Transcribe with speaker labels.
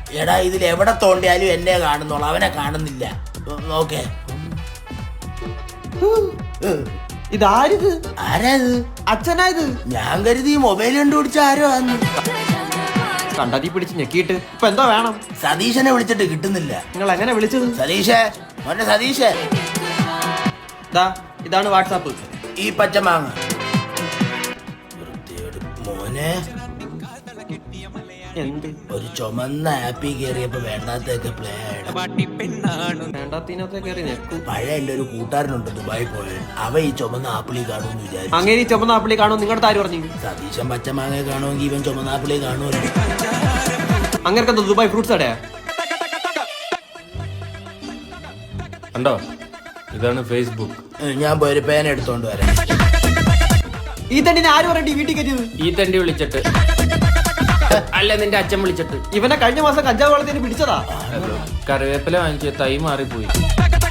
Speaker 1: എടാ ഇതിൽ എവിടെ തോണ്ടിയാലും എന്നെ കാണുന്നുള്ളു, അവനെ കാണുന്നില്ല. ഓക്കെ,
Speaker 2: ഇതാരിത്?
Speaker 1: ആരാ ഇത്?
Speaker 2: അച്ഛനായത്?
Speaker 1: ഞാൻ കരുതി മൊബൈൽ കണ്ടുപിടിച്ച ആരോ ആന്ന്.
Speaker 2: കണ്ടതി പിടിച്ച് ഞെക്കിയിട്ട് ഇപ്പൊ എന്താ വേണം?
Speaker 1: സതീശനെ വിളിച്ചിട്ട് കിട്ടുന്നില്ല.
Speaker 2: നിങ്ങൾ എങ്ങനെ വിളിച്ചത്?
Speaker 1: സതീഷേ, മോനെ സതീഷേ,
Speaker 2: ഇതാണ് വാട്സാപ്പ്.
Speaker 1: ഈ പച്ചമാങ്ങ മോനെ.
Speaker 2: എന്ത്?
Speaker 1: ഒരു ചുമന്ന ആപ്പിൽ കയറിയപ്പോ വേണ്ടാത്തൊക്കെ പ്ലേ ആയിടും.
Speaker 2: വേണ്ടാത്തതിനകത്ത് കയറി ഞെക്കും.
Speaker 1: പഴയ എന്റെ ഒരു കൂട്ടുകാരനുണ്ട് ദുബായി പോയത്, അവ ഈ ചുമന്ന ആപ്പിളി കാണുമെന്ന് വിചാരിച്ചു.
Speaker 2: അങ്ങനെ ഈ ചുമന്ന ആപ്പിളി കാണും നിങ്ങളുടെ ആര് പറഞ്ഞു?
Speaker 1: സതീശൻ പച്ചമാങ്ങ കാണുമെങ്കിൽ ഇവൻ ചുമന്ന ആപ്പിളി കാണുമല്ലോ.
Speaker 2: അങ്ങനെ ദുബായ് ഫ്രൂട്ട്സ് അടയാ
Speaker 3: കണ്ടോ, ഇതാണ് ഫേസ്ബുക്ക്.
Speaker 1: ഞാൻ പോയി ഒരു പേന എടുത്തോണ്ട് വരാം.
Speaker 2: ഈ തണ്ടിനെ ആര് പറയണ്ടി വീട്ടിൽ കയറ്റിയത്?
Speaker 3: ഈ തണ്ടി വിളിച്ചിട്ട് അല്ല, നിന്റെ അച്ഛൻ വിളിച്ചിട്ട്.
Speaker 2: ഇവനെ കഴിഞ്ഞ മാസം കഞ്ചാവ് വെള്ളത്തിന് പിടിച്ചതാ.
Speaker 3: കറിവേപ്പില വാങ്ങിച്ച തൈ മാറിപ്പോയി.